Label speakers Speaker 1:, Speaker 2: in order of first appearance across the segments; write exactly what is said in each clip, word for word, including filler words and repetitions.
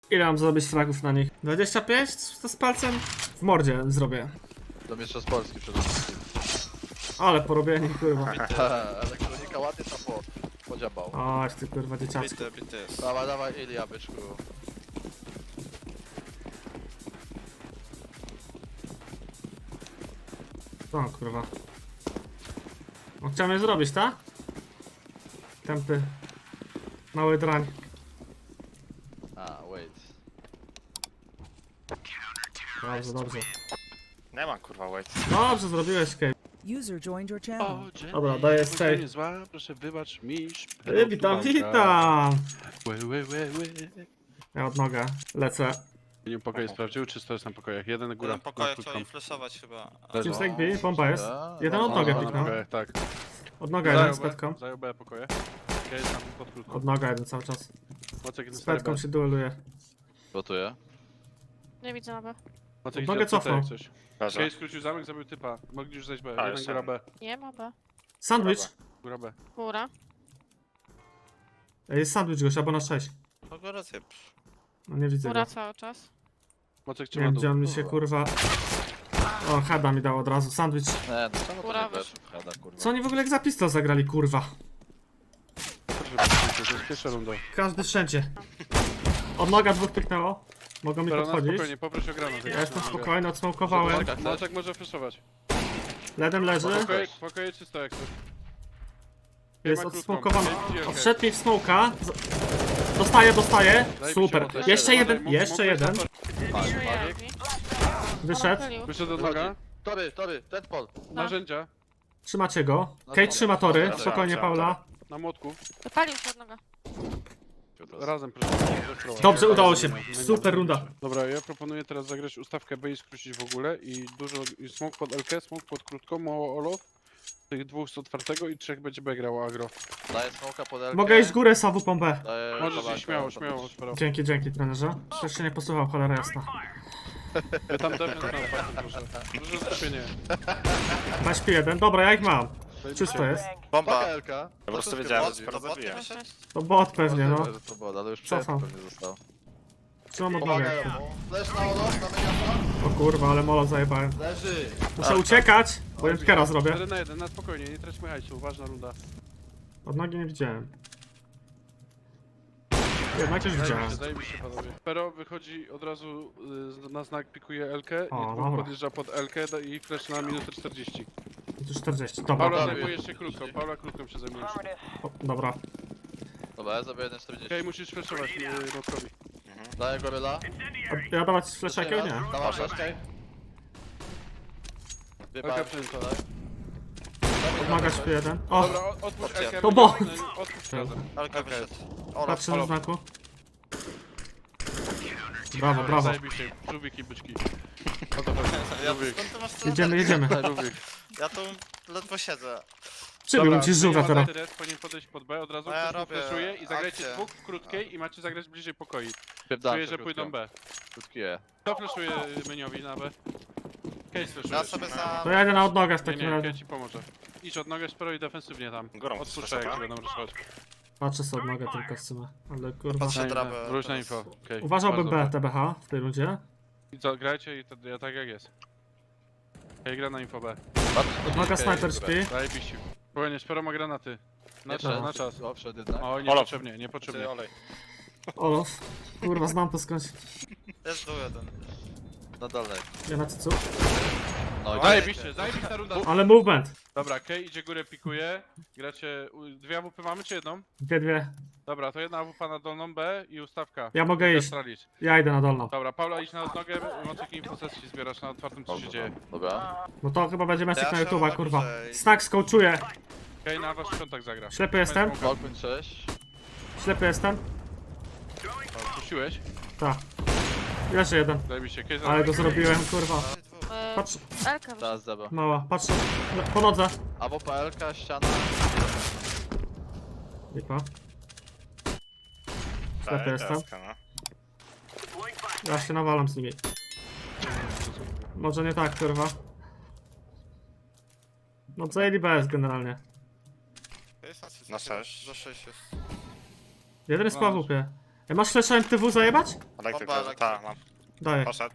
Speaker 1: Ile mam zrobić fragów na nich? dwadzieścia pięć? To z palcem w mordzie zrobię.
Speaker 2: Do mistrza z Polski przede wszystkim.
Speaker 1: Ale porobieni, kurwa.
Speaker 2: Elektronika ładnie tam po, podziabał.
Speaker 1: Oj, ty kurwa dzieciaczku.
Speaker 3: Bity, bity jest.
Speaker 2: Dawaj, dawaj, Ilia, byczku.
Speaker 1: O kurwa. No, chciałem je zrobić, tak? Tępy. Mały drań.
Speaker 2: A, wait.
Speaker 1: Dobrze, dobrze.
Speaker 3: Nie ma kurwa wait.
Speaker 1: Dobrze, zrobiłeś, Kate.
Speaker 4: User joined your channel.
Speaker 5: O, Jenny,
Speaker 1: Dobra, daję
Speaker 5: bądź
Speaker 1: save.
Speaker 5: niezła, proszę wybacz mi.
Speaker 1: Ej, witam, witam!
Speaker 5: Łe, łe, łe, łe.
Speaker 1: Ja od nogę lecę.
Speaker 5: Nie pokoje sprawdził, czy to jest na pokojach? Jeden góra.
Speaker 3: Jeden pokojek
Speaker 5: na
Speaker 3: chciał
Speaker 5: krótką.
Speaker 3: flashować chyba.
Speaker 5: Leży.
Speaker 1: Team Snake B, pompa jest. Jeden od
Speaker 2: No,
Speaker 1: nogę
Speaker 2: no,
Speaker 1: kliknął.
Speaker 5: Okej, tak.
Speaker 1: Od noga jeden
Speaker 5: Zajął
Speaker 1: z
Speaker 5: B,
Speaker 1: petką.
Speaker 5: zajął B pokoje. Ja jest tam pod krótką.
Speaker 1: Od noga jeden cały czas.
Speaker 5: Mocek idzie
Speaker 1: Z
Speaker 5: stary
Speaker 1: petką
Speaker 5: B.
Speaker 1: się dueluje.
Speaker 2: Gotuję.
Speaker 6: Nie widzę na B.
Speaker 5: Mocek
Speaker 1: Mogę
Speaker 5: idzie od C jak
Speaker 1: cofnąć.
Speaker 5: coś.
Speaker 3: Leży.
Speaker 5: Kej skrócił zamek, zabił typa. Mogli już zejść B.
Speaker 3: A,
Speaker 5: Jeden
Speaker 3: jest
Speaker 5: góra
Speaker 3: jeden.
Speaker 5: B.
Speaker 6: Nie ma B.
Speaker 1: Sandwich!
Speaker 5: Góra B.
Speaker 6: Góra.
Speaker 1: Ej, jest sandwich goś, albo na sześć.
Speaker 3: Kogo rację?
Speaker 1: No nie widzę go.
Speaker 6: Góra cały czas.
Speaker 5: Mocek
Speaker 1: Nie
Speaker 5: trzyma
Speaker 1: wiem,
Speaker 5: dół.
Speaker 1: gdzie on mi się kurwa... O, heada mi dał od razu. Sandwich.
Speaker 2: Nie, no czemu to
Speaker 6: Góra
Speaker 2: nie
Speaker 6: wyszła.
Speaker 2: wiesz? Hada, kurwa.
Speaker 1: Co oni w ogóle jak za pistol zagrali, kurwa?
Speaker 5: To jest pierwsza runda.
Speaker 1: Każdy wszędzie. Od noga dwóch pyknęło. Mogą mi
Speaker 5: Dobra, na
Speaker 1: podchodzić.
Speaker 5: spokojnie, poproś o granat.
Speaker 1: Ja jestem spokojny, odsmokowałem.
Speaker 5: Mocek może flashować.
Speaker 1: Ledem leży.
Speaker 2: Spokojnie.
Speaker 5: Pokoje, pokoje czysto jak coś.
Speaker 1: Jest
Speaker 5: Ma krótką.
Speaker 1: odsmokowany.
Speaker 5: Ej, idzie,
Speaker 1: O,
Speaker 5: okej.
Speaker 1: wszedł mi w smoka. Z- Dostaję, dostaję.
Speaker 5: Zajebiście,
Speaker 1: Super.
Speaker 5: Mocek.
Speaker 1: Jeszcze jeden,
Speaker 5: Mógł-
Speaker 1: jeszcze
Speaker 5: mógł
Speaker 1: jeden.
Speaker 5: być
Speaker 2: Pali,
Speaker 6: Żyje
Speaker 2: pali.
Speaker 6: Elvi.
Speaker 1: Wyszedł.
Speaker 6: Odpalił.
Speaker 5: Wyszedł od noga.
Speaker 2: Tory, tory, ten pol.
Speaker 5: Narzędzia.
Speaker 1: Trzymacie go. Kate trzyma tory.
Speaker 3: Dobra,
Speaker 1: Spokojnie,
Speaker 3: dobra,
Speaker 1: Paula.
Speaker 5: Na młotku.
Speaker 6: Wypalił się od noga.
Speaker 5: Razem proszę.
Speaker 1: Dobrze, udało się. Super runda.
Speaker 5: Dobra, ja proponuję teraz zagrać ustawkę B i skrócić w ogóle i dużo i smoke pod L K, smoke pod krótką, mało olof. Tych dwóch z otwartego i trzech będzie B grało agro.
Speaker 2: Daję smoka pod L K.
Speaker 1: Mogę iść górę, Sawu pompę.
Speaker 2: Daję
Speaker 5: Możesz
Speaker 2: kawałek
Speaker 5: iść śmiało,
Speaker 2: pod-
Speaker 5: śmiało, śmiało.
Speaker 1: Dzięki, dzięki trenerze. Przecież się nie posłuchał, cholera jasna.
Speaker 5: Ja tam defense na otwartym proszę. Duże skupienie.
Speaker 1: Na śpi jeden. Dobra, ja ich mam. Czysto jest.
Speaker 3: Bomba.
Speaker 2: Paka L K.
Speaker 3: Po prostu
Speaker 2: To
Speaker 3: wiedziałem, że
Speaker 2: wszystko
Speaker 3: sporo
Speaker 2: chodzi.
Speaker 3: zabiję.
Speaker 6: Sześć.
Speaker 1: To bot pewnie, no.
Speaker 2: Możliwe, że to było, ale już przed
Speaker 1: Cofam.
Speaker 2: pewnie został.
Speaker 1: Trzymam od
Speaker 2: Pomagają
Speaker 1: nogę.
Speaker 2: mu. Flash na olo, na megafon.
Speaker 1: O kurwa, ale molo zajebałem.
Speaker 2: Leży.
Speaker 1: Muszę uciekać, bo jętkera zrobię.
Speaker 5: Jeden na jeden, na spokojnie, nie traćmy hajsu, ważna runda.
Speaker 1: Od nogi nie widziałem. Jednak już widziałem.
Speaker 5: Zajebiście, zajebiście panowie. Pero wychodzi od razu y, na znak, pikuje L K i
Speaker 1: O,
Speaker 5: dwóch
Speaker 1: dobra.
Speaker 5: podjeżdża pod L K da- i flash na minutę czterdzieści.
Speaker 1: I tu czterdzieści.
Speaker 5: Paula
Speaker 1: Dobra,
Speaker 5: zajmuje się krótką, Paula krótką się zajmujesz.
Speaker 1: o, dobra.
Speaker 2: Dobra, ja zrobię jeden czterdzieści.
Speaker 5: Okej, musisz flashować y, Motkowi.
Speaker 2: Daję goryla.
Speaker 1: A ja dawać flasha jakiegoś? Nie.
Speaker 2: Dawaj flash.
Speaker 5: L
Speaker 2: Wypad.
Speaker 5: K przejęta.
Speaker 1: Odmaga śpi jeden. O,
Speaker 5: Dobra, o- otwórz L K.
Speaker 1: To bo-
Speaker 5: Otwórz razem.
Speaker 3: Alka wyszedł. Olaf.
Speaker 1: patrzę na znaku. Brawo, brawo.
Speaker 5: Zajebiście, żółwik i byczki. O to chodzi,
Speaker 3: Ja,
Speaker 5: żółwik.
Speaker 3: skąd ty masz tyle?
Speaker 1: Jedziemy, jedziemy.
Speaker 5: Żółwik.
Speaker 3: Ja tu ledwo siedzę.
Speaker 1: Przybił ci żółwia teraz.
Speaker 5: teraz. Powinien podejść pod B, od razu
Speaker 3: No ja
Speaker 5: ktoś mu
Speaker 3: robię
Speaker 5: flashuje i zagrajcie
Speaker 3: akcję.
Speaker 5: dwóch w krótkiej i macie zagrać bliżej pokoi.
Speaker 2: Pierdam
Speaker 5: Czuję,
Speaker 2: się
Speaker 5: że pójdą B.
Speaker 2: Krótkie.
Speaker 5: Kto flashuje Meniowi na B? Case flashuje.
Speaker 3: Ja sobie za...
Speaker 1: To ja idę na odnogę w
Speaker 5: Nie,
Speaker 1: takim
Speaker 5: nie,
Speaker 1: razie.
Speaker 5: ja ci pomoże. Idź od nogę, sporo i defensywnie tam.
Speaker 3: Górą
Speaker 5: Odpuszczaj jak
Speaker 3: chcesz,
Speaker 5: ci będą ruszować.
Speaker 1: Patrzę sobie odnogę tylko w sumie. Ale kurwa.
Speaker 3: Patrzę drabę.
Speaker 5: Wróć na
Speaker 3: teraz.
Speaker 5: info. Okay.
Speaker 1: Uważałbym B, T B H w tej rundzie.
Speaker 5: I co, grajcie i to, ja tak jak jest. Okej, gra na info B.
Speaker 1: Odnoga sniper śpi.
Speaker 5: Zajebiście. Spokojnie, sporo ma granaty. Na
Speaker 2: Jeszcze
Speaker 5: czas, na czas.
Speaker 2: O, przed jednak.
Speaker 5: Oj,
Speaker 3: Olaf.
Speaker 5: niepotrzebnie, niepotrzebnie.
Speaker 3: Ty olej.
Speaker 1: Olof. Kurwa, znam to skądś.
Speaker 3: Jest dół jeden.
Speaker 2: Na dolnej.
Speaker 1: Ja na cycu.
Speaker 2: No i
Speaker 5: Zajebiście, zajebista runda.
Speaker 1: Ale movement.
Speaker 5: Dobra, Kej idzie górę, pikuje. Gracie, u- dwie A W P mamy czy jedną?
Speaker 1: Dwie, dwie.
Speaker 5: Dobra, to jedna A W P na dolną B i ustawka.
Speaker 1: Ja mogę iść.
Speaker 5: Astralis.
Speaker 1: Ja idę na dolną.
Speaker 5: Dobra, Paula idź na nogę, Mocek infosesji zbierasz na otwartym co się dzieje.
Speaker 2: Dobra.
Speaker 1: No to chyba będzie meczek
Speaker 3: Ja
Speaker 1: na
Speaker 3: się
Speaker 1: YouTube'a, kurwa.
Speaker 3: bliżej.
Speaker 1: Snack skołczuje.
Speaker 5: Kej na wasz piątek zagra.
Speaker 1: Ślepy jestem.
Speaker 2: Balkon sześć.
Speaker 1: Ślepy jestem.
Speaker 5: Puściłeś?
Speaker 1: Tak. Jeszcze jeden.
Speaker 5: Zajebiście, Kej
Speaker 1: Ale go
Speaker 5: zagra.
Speaker 1: zrobiłem, kurwa.
Speaker 6: E,
Speaker 1: Patrz,
Speaker 6: Elka wyszła.
Speaker 2: Teraz zeba.
Speaker 1: mała, patrz. No, po nodze.
Speaker 2: A W P L K, ściana.
Speaker 1: Lipa. Ślepy jestem. Ja się nawalam z nimi. Może nie tak, kurwa. No zajęli B S generalnie.
Speaker 3: Na sześć. Za sześć jest.
Speaker 1: Jeden jest po A W P. Ja masz flasha M T W zajebać?
Speaker 3: Bomba,
Speaker 4: Elektryk leży,
Speaker 3: elektryk.
Speaker 4: tak, mam.
Speaker 1: Daję.
Speaker 4: Poszedł.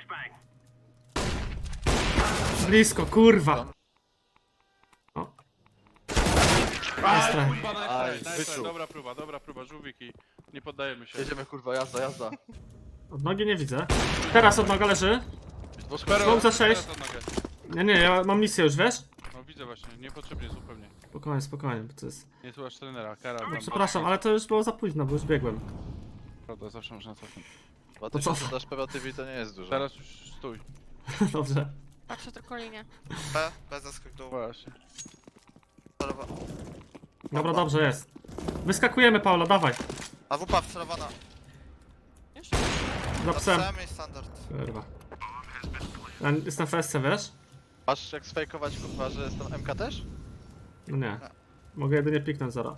Speaker 1: Blisko, kurwa. O.
Speaker 5: A,
Speaker 1: Strach.
Speaker 5: kurwa, nice,
Speaker 2: Aj,
Speaker 5: nice, nice,
Speaker 2: wyczuł.
Speaker 5: dobra próba, dobra próba, żółwiki. Nie poddajemy się.
Speaker 2: Jedziemy kurwa, jazda, jazda.
Speaker 1: Od nogi nie widzę. Teraz od noga leży.
Speaker 2: Dwóch
Speaker 5: Spero,
Speaker 1: Smoke za sześć.
Speaker 5: teraz od nogę.
Speaker 1: Nie, nie, ja mam misję już, wiesz?
Speaker 5: No widzę właśnie, niepotrzebnie zupełnie.
Speaker 1: Spokojnie, spokojnie, bo to jest...
Speaker 5: Nie słuchasz trenera, kara.
Speaker 1: No,
Speaker 5: tam
Speaker 1: przepraszam,
Speaker 5: właśnie-
Speaker 1: ale to już było za późno, bo już biegłem.
Speaker 5: Prawda, zawsze można cofnąć.
Speaker 2: Dwa
Speaker 1: To co?
Speaker 2: tysiące dasz P V T V to nie jest dużo.
Speaker 5: Teraz już stój.
Speaker 1: Dobrze.
Speaker 6: Patrzę tylko linię.
Speaker 3: B, B zaskok dół.
Speaker 5: Właśnie.
Speaker 3: Celowa.
Speaker 1: Dobra, dobrze jest. Wyskakujemy, Paula, dawaj.
Speaker 3: A W P wcelowana.
Speaker 6: Już?
Speaker 1: Za psem.
Speaker 3: Psem i standard.
Speaker 1: Kurwa. Ja jestem w S C, wiesz?
Speaker 2: Masz jak sfejkować kurwa, że jestem M K też?
Speaker 1: No nie. Mogę jedynie piknąć zara.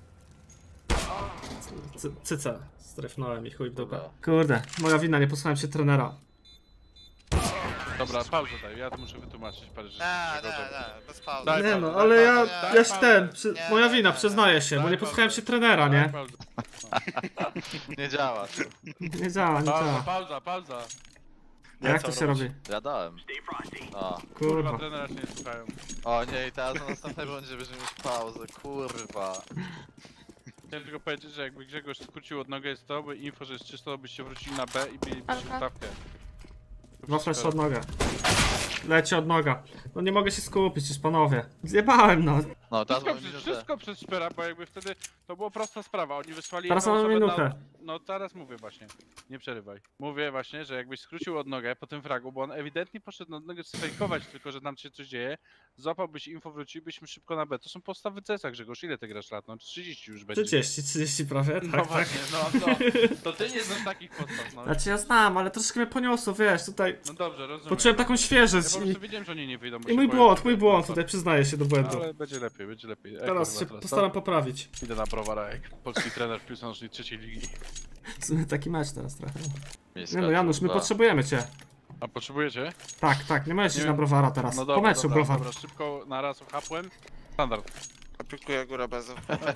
Speaker 1: Cy- Cyce. Strefnąłem i chuj w dupę. Kurde, moja wina, nie posłuchałem się trenera.
Speaker 5: Dobra, pauzę daj, ja to muszę wytłumaczyć parę rzeczy.
Speaker 3: Nie,
Speaker 5: czego
Speaker 3: nie,
Speaker 5: to-
Speaker 3: nie, bez pauzy.
Speaker 5: Daj
Speaker 1: Nie
Speaker 5: pauzę,
Speaker 1: no,
Speaker 5: daj
Speaker 1: ale ja,
Speaker 5: pauzę, daj
Speaker 1: ja się
Speaker 5: pauzę.
Speaker 1: ten, przy,
Speaker 3: Nie,
Speaker 1: moja
Speaker 3: nie,
Speaker 1: wina,
Speaker 3: nie.
Speaker 1: przyznaję się, bo
Speaker 5: Daj
Speaker 1: nie posłuchałem
Speaker 5: pauzę.
Speaker 1: się trenera,
Speaker 5: Daj
Speaker 1: nie?
Speaker 5: pauzę.
Speaker 2: Nie działa.
Speaker 1: Nie działa, nie
Speaker 5: Pauza,
Speaker 1: działa.
Speaker 5: pauza, pauza.
Speaker 1: A jak to się robi?
Speaker 2: Ja dałem. O,
Speaker 5: Kurwa,
Speaker 1: Kurwa.
Speaker 5: trenera się nie słuchają.
Speaker 2: o nie, i teraz na następnej rundzie będziemy mieć pauzę, kurwa.
Speaker 5: Chciałem tylko powiedzieć, że jakby Grzegorz skrócił od nogę jest to, by info, że jest czysto, byście wrócili na B i mielibyście
Speaker 6: Alka.
Speaker 5: stawkę.
Speaker 1: Dwa flash od noga. Leci od noga. No nie mogę się skupić już, panowie. Zjebałem, no.
Speaker 2: No, teraz
Speaker 5: Wszystko
Speaker 2: mamy
Speaker 5: przez,
Speaker 2: minutę.
Speaker 5: wszystko przez Szpera, bo jakby wtedy to była prosta sprawa, oni wysłali
Speaker 1: Teraz
Speaker 5: jedną
Speaker 1: mamy
Speaker 5: osobę
Speaker 1: minutę.
Speaker 5: Na... No teraz mówię właśnie, nie przerywaj. Mówię właśnie, że jakbyś skrócił od nogę po tym fragu, bo on ewidentnie poszedł od nogę sfejkować tylko, że tam się coś dzieje, złapałbyś info, wrócilibyśmy szybko na B. To są podstawy C S a, Grzegorz, ile ty grasz lat? No trzydzieści już będzie.
Speaker 1: trzydzieści, trzydzieści prawie,
Speaker 5: No
Speaker 1: tak, tak.
Speaker 5: właśnie, no to, to ty nie znasz takich podstaw, no.
Speaker 1: Znaczy ja znam, ale troszkę mnie poniosło, wiesz, tutaj...
Speaker 5: No dobrze, rozumiem.
Speaker 1: Poczułem taką świeżość
Speaker 5: Ja po
Speaker 1: i,
Speaker 5: prostu wiedziałem, że oni nie wyjdą. bo
Speaker 1: i
Speaker 5: się
Speaker 1: mój
Speaker 5: boją,
Speaker 1: błąd,
Speaker 5: że-
Speaker 1: mój błąd, tutaj przyznaję się do błędu.
Speaker 5: Ale będzie lepiej, będzie lepiej. Eko
Speaker 1: Teraz
Speaker 5: chyba
Speaker 1: się postaram
Speaker 5: tak?
Speaker 1: poprawić.
Speaker 5: Idę na browara jak polski trener w piłce nożnej trzeciej ligi.
Speaker 1: W sumie taki mecz teraz trochę.
Speaker 2: Miejska,
Speaker 1: Nie no, Janusz, my
Speaker 2: kurwa.
Speaker 1: potrzebujemy cię.
Speaker 5: A potrzebujecie?
Speaker 1: Tak, tak, nie możesz
Speaker 5: Nie
Speaker 1: iść
Speaker 5: wiem.
Speaker 1: na browara teraz.
Speaker 5: No
Speaker 1: Po
Speaker 5: dobra,
Speaker 1: meczu
Speaker 5: dobra,
Speaker 1: browar.
Speaker 5: dobra, szybko na raz ochapłem. Standard.
Speaker 3: Aplikuję górę bez.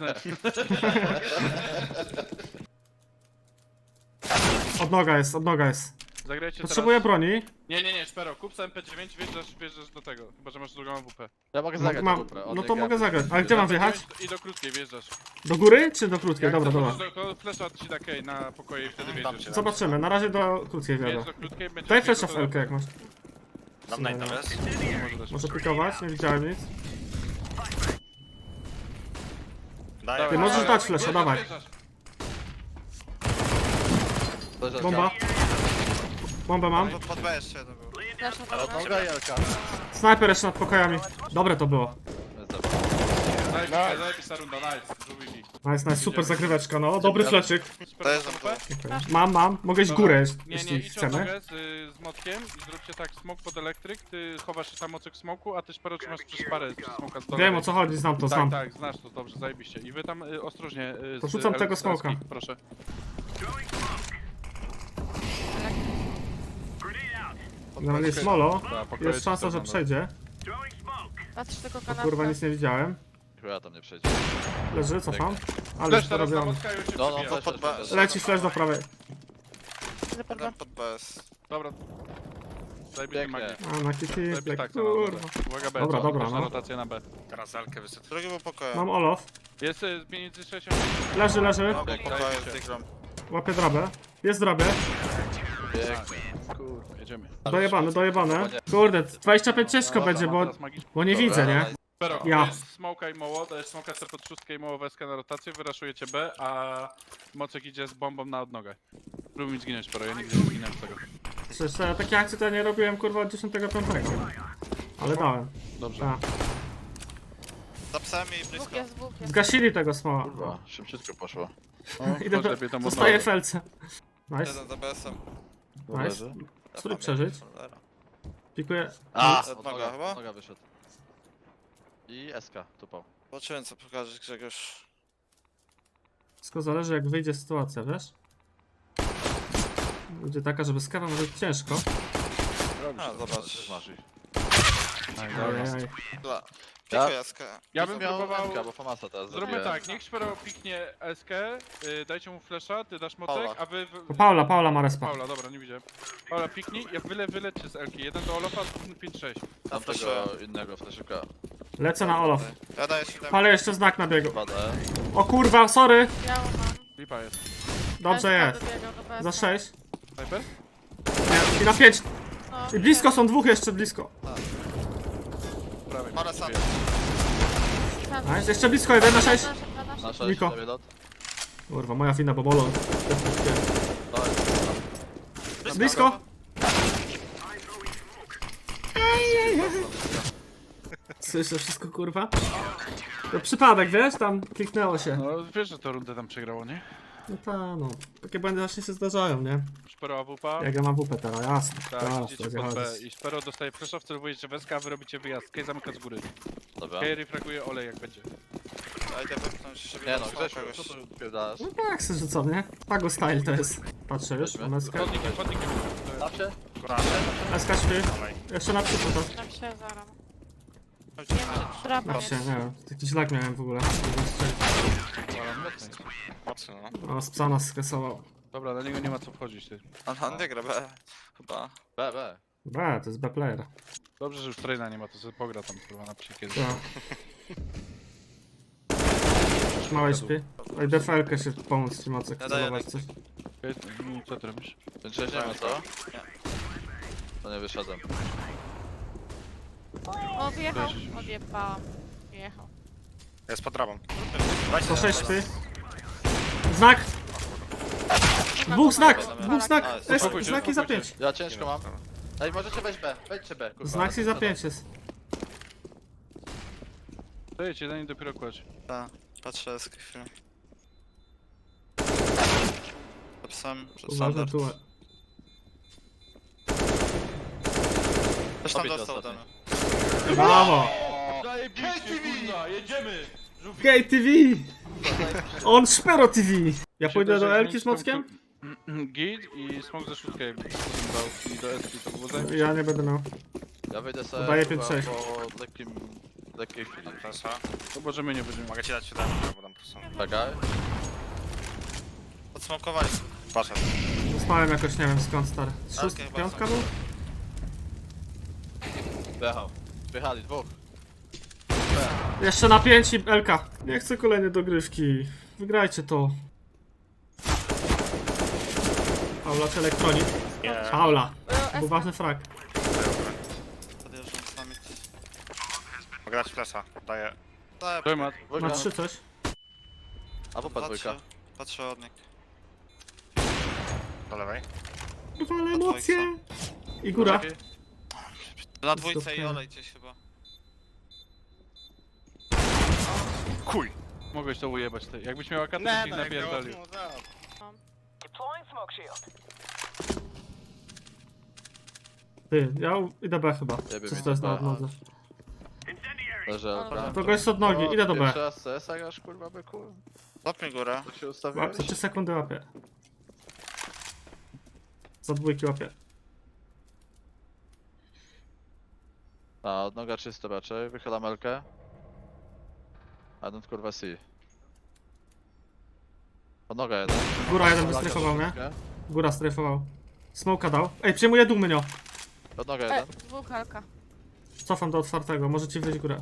Speaker 1: Od noga jest, od noga jest.
Speaker 5: Zagrajcie
Speaker 1: Potrzebuję
Speaker 5: teraz...
Speaker 1: broni.
Speaker 5: Nie, nie, nie, Szpero, kup sobie M P dziewięć, wjeżdżasz, wjeżdżasz do tego. Chyba, że masz drugą A W P.
Speaker 2: Ja mogę
Speaker 1: No,
Speaker 2: zagrać
Speaker 1: mam,
Speaker 2: dobrze,
Speaker 1: no to mogę zagrać. Ale gdzie mam wjechać?
Speaker 5: I do krótkiej wjeżdżasz.
Speaker 1: Do góry czy do krótkiej?
Speaker 5: Jak
Speaker 1: Dobra, dobra.
Speaker 5: zobaczysz, to flesza ci da kej na pokoje i wtedy wjeżdżasz.
Speaker 1: Zobaczymy, na razie do krótkiej
Speaker 5: Wjedź
Speaker 1: wjadę.
Speaker 5: do krótkiej, będzie...
Speaker 1: Daj flasha w Elkę jak masz.
Speaker 4: Dam najta, wiesz?
Speaker 5: Nie może dać.
Speaker 1: Może pikować, nie widziałem nic.
Speaker 4: Daję.
Speaker 1: Ty możesz dać flasha,
Speaker 5: Wjeżdżasz,
Speaker 1: dawaj.
Speaker 5: wjeżdżasz.
Speaker 1: Bomba. Bombę mam.
Speaker 3: Pod, pod B jeszcze jeden był.
Speaker 6: Flash na
Speaker 2: Ale
Speaker 6: dole.
Speaker 2: noga Jelka.
Speaker 1: Snajper jeszcze nad pokojami. Dobre to było.
Speaker 5: Zajebista, zajebista runda, nice. Żółwiki.
Speaker 1: Nice, nice, super zagryweczka, no. Dobry fleczyk.
Speaker 3: To jest
Speaker 5: Super.
Speaker 3: tam
Speaker 1: Mam, mam. Mogę iść w górę,
Speaker 5: Nie, nie,
Speaker 1: jeśli
Speaker 5: idź od
Speaker 1: chcemy.
Speaker 5: nogę z, z motkiem i zróbcie tak smok pod elektryk, ty chowasz się tam mocek smoku, a ty szpero trzymasz przez parę przez smoka z dołu.
Speaker 1: Wiem o co chodzi, znam to,
Speaker 5: Tak,
Speaker 1: znam.
Speaker 5: tak, znasz to dobrze, zajebiście. I wy tam y, ostrożnie y, z
Speaker 1: Porzucam
Speaker 5: el-
Speaker 1: tego
Speaker 5: z
Speaker 1: smoka.
Speaker 5: elskich, proszę.
Speaker 1: Generalnie jest molo.
Speaker 5: Da, pokoje
Speaker 1: Jest szansa, że
Speaker 5: czyste
Speaker 1: przejdzie.
Speaker 6: Patrz tylko
Speaker 1: O
Speaker 6: kanapkę.
Speaker 1: kurwa, nic nie widziałem.
Speaker 2: Chyba tam nie przejdzie.
Speaker 1: Leży, cofam. Ale
Speaker 5: Flash
Speaker 1: już
Speaker 5: teraz na
Speaker 1: dorobiony.
Speaker 5: motka już się
Speaker 2: No, no,
Speaker 5: przebija.
Speaker 2: flash,
Speaker 3: pod
Speaker 2: flash,
Speaker 3: B.
Speaker 2: flash.
Speaker 1: Leci flash do prawej.
Speaker 6: Idę pod B.
Speaker 3: Jeden pod B jest.
Speaker 5: Dobra. Zajebisty
Speaker 2: Pięknie.
Speaker 5: magnet.
Speaker 1: A, na kitty,
Speaker 5: Zajebisty
Speaker 1: tak,
Speaker 5: tak, kurwa.
Speaker 1: kurwa.
Speaker 5: Uwaga B,
Speaker 1: Dobra,
Speaker 5: co?
Speaker 1: dobra,
Speaker 5: Proszę
Speaker 1: no.
Speaker 5: rotację na B.
Speaker 4: Teraz Elkę wysytuję.
Speaker 3: Drugi był pokoju.
Speaker 1: Mam Olof.
Speaker 5: Jest y, między sześć
Speaker 1: Leży, leży.
Speaker 3: No, był
Speaker 5: Pięknie,
Speaker 3: pokoju
Speaker 5: zajebiście.
Speaker 3: z Diglom.
Speaker 1: Łapię drabę. Jest drabę.
Speaker 2: Pięknie.
Speaker 5: Kurwa, jedziemy.
Speaker 1: Dojebane, dojebane. Kurde, dwadzieścia pięć ciężko będzie, bo,
Speaker 5: Teraz magicznie.
Speaker 1: bo nie
Speaker 2: Dobra,
Speaker 1: widzę, nie?
Speaker 5: Pero,
Speaker 1: Ja.
Speaker 5: to jest smoka i moło, to jest smoka C pod szóstkę i moło weskę na rotację, wyraszujecie B, a Mocek idzie z bombą na odnogę. Próbuj mi zginąć, Pero, ja nigdy nie zginąłem z tego.
Speaker 1: Przecież ja takie akcje to ja nie robiłem kurwa od dziesiątego piątego. Ale dałem.
Speaker 5: Dobrze.
Speaker 1: Tak.
Speaker 3: Za psem i
Speaker 6: Dwóch
Speaker 3: blisko.
Speaker 6: jest, dwóch jest.
Speaker 1: Zgasili tego smoła.
Speaker 2: Kurwa, szybciutko poszło.
Speaker 1: Idę
Speaker 5: chodź
Speaker 1: do...
Speaker 5: lepiej tam
Speaker 1: Zostaję
Speaker 5: od
Speaker 1: w felce. Nice,
Speaker 3: Jeden za B S-em.
Speaker 1: nice.
Speaker 2: Leży.
Speaker 1: Spróbuj przeżyć. Pikuję.
Speaker 2: A,
Speaker 3: Od
Speaker 2: od
Speaker 3: noga
Speaker 2: noga,
Speaker 3: chyba?
Speaker 2: od noga wyszedł. I S K, tupał.
Speaker 3: Zobaczyłem co pokażesz Grzegorz.
Speaker 1: Wszystko zależy jak wyjdzie sytuacja, wiesz? Będzie taka, żeby z kawą może być ciężko.
Speaker 3: A, zobacz.
Speaker 2: Też masz ich.
Speaker 5: Aj, dobra.
Speaker 1: Ajajaj.
Speaker 3: Dla. Tylko jaskę.
Speaker 5: Ja bym
Speaker 2: miał
Speaker 5: próbował...
Speaker 2: M K, bo Famasa teraz
Speaker 5: Zróbmy
Speaker 2: zabiłem.
Speaker 5: tak, niech Szpero piknie S K, y, dajcie mu flasha, ty dasz mocek,
Speaker 3: Paula.
Speaker 5: a wy... wy...
Speaker 1: To Paula, Paula ma respa.
Speaker 5: Paula, dobra, nie widziałem. Paula piknij, ja wyle, wylećcie z Elki. Jeden do Olofa, pięć sześć.
Speaker 2: Tam tego innego flaszyka.
Speaker 1: Lecę na Olof.
Speaker 3: Ja daję siódemkę.
Speaker 1: Ale jeszcze znak na biegu.
Speaker 2: Padę.
Speaker 1: O kurwa, sorry.
Speaker 6: Biało mam.
Speaker 5: Lipa jest.
Speaker 1: Dobrze
Speaker 6: S K
Speaker 1: jest.
Speaker 6: dobiegał do B S.
Speaker 1: Za sześć.
Speaker 5: Sniper?
Speaker 1: Nie, i na pięć.
Speaker 6: No,
Speaker 1: I blisko są dwóch jeszcze blisko.
Speaker 5: Prawie.
Speaker 3: Parę sam.
Speaker 6: Tam.
Speaker 1: Nice, jeszcze blisko, jeden na sześć.
Speaker 6: Nasze, na nasze.
Speaker 2: Na sześć,
Speaker 1: Niko.
Speaker 2: lewy lot.
Speaker 1: Kurwa, moja fina, bo bolą.
Speaker 2: Dawaj.
Speaker 1: Blisko. Słyszę wszystko, kurwa? To przypadek, wiesz? Tam kliknęło się.
Speaker 5: No wiesz, że to rundę tam przegrało, nie?
Speaker 1: No ta, no. Takie błędy właśnie się zdarzają, nie?
Speaker 5: Szpero A W P.
Speaker 1: Jak ja mam W P teraz, jasne.
Speaker 5: Tak,
Speaker 1: Teraz,
Speaker 5: idziecie
Speaker 1: to
Speaker 5: pod B
Speaker 1: chodzi.
Speaker 5: i Szpero dostaje flasha, wcelowujecie w S K, a wy robicie wyjazd. Kej zamyka z góry.
Speaker 2: Dobra.
Speaker 5: Kej refraguje olej jak będzie.
Speaker 3: Ja idę wypchnąć sobie
Speaker 2: Nie
Speaker 3: do
Speaker 2: no,
Speaker 3: smoka
Speaker 2: Grzesiu,
Speaker 3: goś.
Speaker 2: co tu odpierdalasz?
Speaker 1: No tak, se rzucą, nie? Pago style to jest. Patrzę już,
Speaker 2: Weźmy.
Speaker 1: mam SK.
Speaker 5: Chodnikiem, chodnikiem.
Speaker 2: Zawsze?
Speaker 1: SK śpi. Jeszcze na przód to.
Speaker 6: Tam się zaram. Nie wiem, czy drapa
Speaker 1: Na
Speaker 6: jest.
Speaker 1: się, nie wiem. Jakiś lag miałem w ogóle.
Speaker 4: Mocno, no.
Speaker 1: O, z psa nas skasował.
Speaker 5: Dobra, na niego nie ma co wchodzić, ty.
Speaker 3: On, on nie gra B. Chyba.
Speaker 2: B, B.
Speaker 1: B, to jest B player.
Speaker 5: Dobrze, że już traina nie ma, to sobie pogra tam kurwa na psikie.
Speaker 1: Tak. Małe śpi. Oj, D F L-kę się pomóc ci mocek,
Speaker 3: Ja daję
Speaker 1: celować coś.
Speaker 5: Okej, no, co ty robisz?
Speaker 2: Więc nie ma co? To nie wyszedłem.
Speaker 6: O, wyjechał.
Speaker 5: Weź.
Speaker 6: Odjebałam. Wyjechał.
Speaker 4: Jest pod drabą.
Speaker 1: sto sześć śpi. Znak! Dwóch znak! Dwóch znak!
Speaker 3: Nice.
Speaker 1: S,
Speaker 5: Spokój się,
Speaker 1: znaki za
Speaker 5: spokój
Speaker 1: pięć.
Speaker 2: Ja ciężko mam. Ej, możecie wejść B. Wejdźcie B, kurwa.
Speaker 1: Znak i za pięć jest.
Speaker 5: Dajcie, zanim dopiero kładź.
Speaker 3: Tak. Patrzę jaskę chwilę. To psem, przed
Speaker 1: Uważaj
Speaker 3: standard.
Speaker 1: tu.
Speaker 3: Też tam
Speaker 2: Obić
Speaker 3: dostał
Speaker 2: ostatni.
Speaker 3: ten.
Speaker 1: Brawo!
Speaker 5: Zajebiście, kurwa, jedziemy!
Speaker 1: Gay T V! On Szpero T V! Ja pójdę do Elki z mockiem?
Speaker 5: Git i smok ze szóstkę jakby dał i do S to było zajebiście.
Speaker 1: Ja nie będę miał.
Speaker 2: Ja wyjdę sobie
Speaker 1: Daję
Speaker 2: kurwa,
Speaker 1: pięć sześć.
Speaker 2: po lekkim... lekkiej chwili.
Speaker 4: Proszę.
Speaker 5: To możemy nie będziemy.
Speaker 4: Mogę ci dać siódemkę, bo tam są.
Speaker 2: Czekaj.
Speaker 3: Podsmokowali.
Speaker 4: Poszedł.
Speaker 1: Dostałem jakoś, nie wiem skąd, stary. Szóstka,
Speaker 3: Elkę chyba
Speaker 1: piątka
Speaker 3: są.
Speaker 1: był?
Speaker 2: Wjechał. Wjechali, dwóch.
Speaker 1: Jeszcze na pięć i Elka. Nie chcę kolejnej dogrywki. Wygrajcie to. Paula czy elektronik?
Speaker 4: Nie.
Speaker 1: Paula.
Speaker 6: E,
Speaker 1: Był ważny frag.
Speaker 3: Podjeżdżam z nami.
Speaker 4: Mogę dać flesza. Daję.
Speaker 3: Tak,
Speaker 5: Dojmat.
Speaker 1: Ma
Speaker 2: Dwójka.
Speaker 1: trzy coś.
Speaker 2: A po dwójka.
Speaker 3: patrzę. Patrzę od nich.
Speaker 4: Do lewej.
Speaker 1: Wale emocje. I góra.
Speaker 3: Na dwójce i olej gdzieś chyba.
Speaker 4: Kuj!
Speaker 5: Mogłeś to ujebać ty. Jakbyś miał akatę, to ci napierdolił.
Speaker 1: Ty, ja u- idę B chyba.
Speaker 2: Jebie
Speaker 1: Czy
Speaker 2: mi
Speaker 1: to jest
Speaker 2: to
Speaker 1: na
Speaker 2: B.
Speaker 1: odnodze?
Speaker 2: Leży Elka.
Speaker 1: To gość od nogi, idę do B.
Speaker 2: Pierwszy raz C S a grasz, kurwa, byku?
Speaker 3: Złapmy górę.
Speaker 2: To się ustawiłeś?
Speaker 1: Łapie, trzy sekundy łapie. Za dwójki łapie.
Speaker 2: A, od noga czysto raczej. Wychylam Elkę. A don't kurwa C. Od noga jeden.
Speaker 1: Góra jeden
Speaker 2: Laga
Speaker 1: wystryfował, nie?
Speaker 2: troszeczkę.
Speaker 1: Góra stryfował. Smoka dał. Ej, przyjmuję dół mynio.
Speaker 2: Od noga
Speaker 6: E,
Speaker 2: jeden.
Speaker 6: dwóch halka.
Speaker 1: Cofam do otwartego, możecie wyjść górę.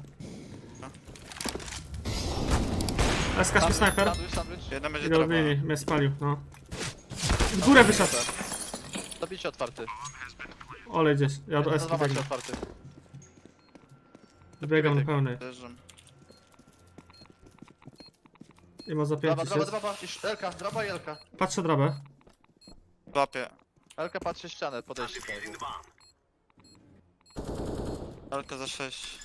Speaker 1: S K śpi snajper.
Speaker 2: Sandwich, sandwich.
Speaker 3: Jeden będzie
Speaker 1: Idę od
Speaker 3: droga.
Speaker 1: linii, mnie spalił, no. W górę wyszedł.
Speaker 2: Zabicie otwarty.
Speaker 1: Olej gdzieś, ja do
Speaker 2: Jeden
Speaker 1: S
Speaker 2: za macie
Speaker 1: biegnę.
Speaker 2: otwarty.
Speaker 1: Biegam do pełnej.
Speaker 3: Podjeżdżam.
Speaker 1: I ma za
Speaker 2: Draba,
Speaker 1: pięć
Speaker 2: draba,
Speaker 1: jest.
Speaker 2: draba. I Elka, draba i Elka.
Speaker 1: Patrzę drabę.
Speaker 3: Złapię.
Speaker 2: Elka patrzy ścianę, podejście.
Speaker 3: Alka za sześć.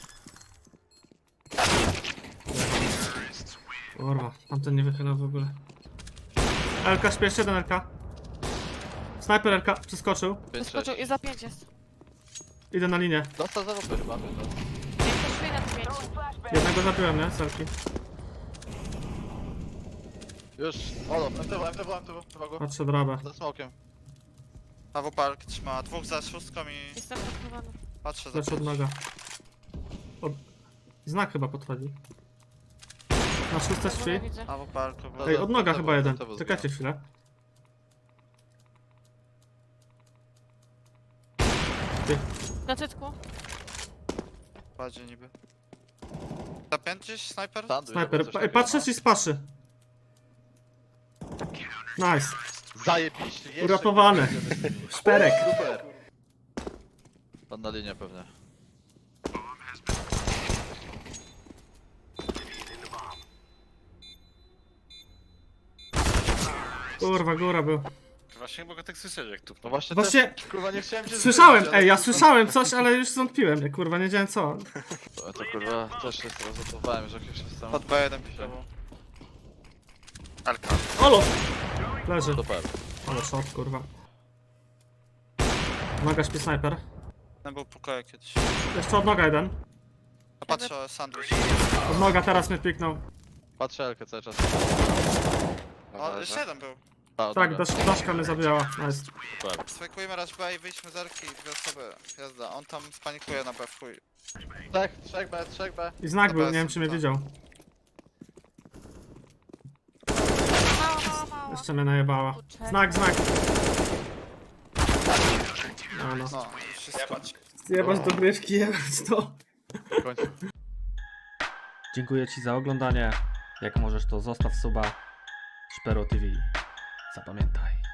Speaker 1: Kurwa, tamten nie wychylał w ogóle. Elka śpi, jeszcze jeden Elka. Snajper Elka, przeskoczył.
Speaker 2: pięć
Speaker 6: Wyskoczył i
Speaker 2: sześć.
Speaker 6: za pięć jest.
Speaker 1: Idę na linię.
Speaker 2: Dostał za lupy chyba.
Speaker 6: Nie przeszli na pięć.
Speaker 1: Jednego zabiłem, nie? Selki.
Speaker 2: Już. Olo, M T W, M T W, M T W. Uwaga.
Speaker 1: Patrzę drabę.
Speaker 2: Za smokiem.
Speaker 3: A w park trzyma. Dwóch za szóstką i
Speaker 6: Jestem podchowany.
Speaker 3: patrzę za
Speaker 1: Lecz od
Speaker 3: pięć.
Speaker 1: noga. Od... Znak chyba podchodzi. Na szóste
Speaker 6: Na
Speaker 1: drzwi.
Speaker 6: górę widzę.
Speaker 3: A w parku.
Speaker 2: No,
Speaker 1: Ej,
Speaker 2: to-
Speaker 1: od noga
Speaker 2: to-
Speaker 1: chyba
Speaker 2: to-
Speaker 1: jeden.
Speaker 2: to- to-
Speaker 1: Czekajcie chwilę. Ty,
Speaker 6: Na cycku.
Speaker 3: Kładzie niby. Zapięć gdzieś, snajper?
Speaker 2: Sandwich,
Speaker 1: snajper.
Speaker 2: albo coś
Speaker 1: Ej,
Speaker 2: takiego,
Speaker 1: patrzę
Speaker 2: no.
Speaker 1: ci z paszy. Nice.
Speaker 2: Zajebiście, jeszcze
Speaker 1: Uratowany.
Speaker 2: kurwa, jedziemy z nimi.
Speaker 1: Szperek.
Speaker 2: Super. Pan na linię pewnie.
Speaker 1: Kurwa, góra był.
Speaker 4: Właśnie nie mogę tak słyszeć jak tu.
Speaker 2: No właśnie,
Speaker 1: Właśnie
Speaker 2: też, kurwa nie chciałem cię
Speaker 1: słyszałem,
Speaker 2: zbyć, ale
Speaker 1: ej, ja
Speaker 2: kurwa-
Speaker 1: słyszałem coś, ale już zwątpiłem. Ja, kurwa, nie wiedziałem co.
Speaker 2: To, to kurwa też się zrozumowałem, że jakieś jest tam.
Speaker 3: Pod B jeden pikował.
Speaker 4: Elka.
Speaker 1: Olo! Leży.
Speaker 2: Super.
Speaker 1: Ale shot, kurwa. Noga śpi snajper.
Speaker 3: Ten był pokoju kiedyś.
Speaker 1: Jeszcze od noga jeden.
Speaker 3: A patrzę, sandwich.
Speaker 1: Od noga teraz mnie piknął.
Speaker 2: Patrzę Elkę cały czas.
Speaker 3: O, jeszcze jeden był.
Speaker 2: A, od
Speaker 1: Tak,
Speaker 2: noga.
Speaker 1: dasz, daszka mnie zabijała. Nice.
Speaker 2: Super.
Speaker 3: Swajkujemy raz B i wyjdźmy z Elki, dwie osoby. Jazda, on tam spanikuje na B w chuj.
Speaker 2: Trzech, trzech B, trzech B.
Speaker 1: I znak
Speaker 3: Dobra,
Speaker 1: był, nie wiem czy mnie
Speaker 3: tak.
Speaker 1: widział.
Speaker 6: Mało, mało, mało.
Speaker 1: Jeszcze mnie najebała.
Speaker 6: Kurczę.
Speaker 1: Znak, znak. No, no.
Speaker 3: No, już wszystko.
Speaker 1: Jebać dogrywki, jebać to.
Speaker 2: W końcu.
Speaker 1: Dziękuję ci za oglądanie. Jak możesz to zostaw suba. Szpero T V. Zapamiętaj.